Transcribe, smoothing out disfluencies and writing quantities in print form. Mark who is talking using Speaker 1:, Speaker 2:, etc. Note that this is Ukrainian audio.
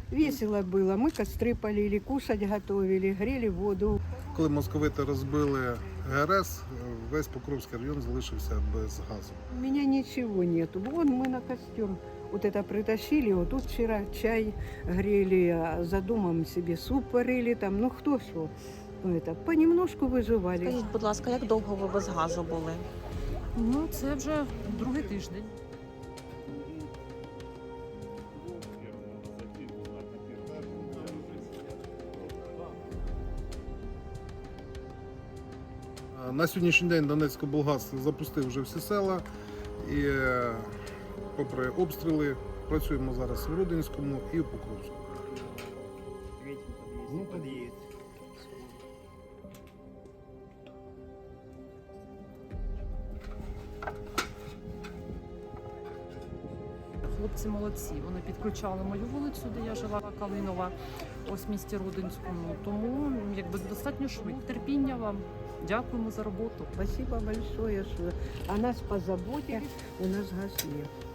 Speaker 1: Весело было. Мы костры полили, кушать готовили, грели воду.
Speaker 2: Коли московити розбили ГРС, весь Покровський район залишився без газу.
Speaker 1: У меня ничего нету. Вон мы на костер вот это притащили. Вот тут вчера чай грели, а за домом себе суп варили там. Ну кто что? Это, понемножку выживали.
Speaker 3: Скажіть, будь ласка, як довго ви без газу були?
Speaker 4: Ну, це вже другий тиждень.
Speaker 2: На сьогоднішній день Донецькоблгаз запустив вже всі села і попри обстріли працюємо зараз в Рудинському і в Покровську.
Speaker 4: Хлопці молодці. Вони підключали мою вулицю, де я жила, Калинова, ось в місті Рудинському. Тому якби достатньо швидко. Терпіння вам. Дякуємо за роботу.
Speaker 1: Спасибо большое, что о нас позаботились. У нас газ нет.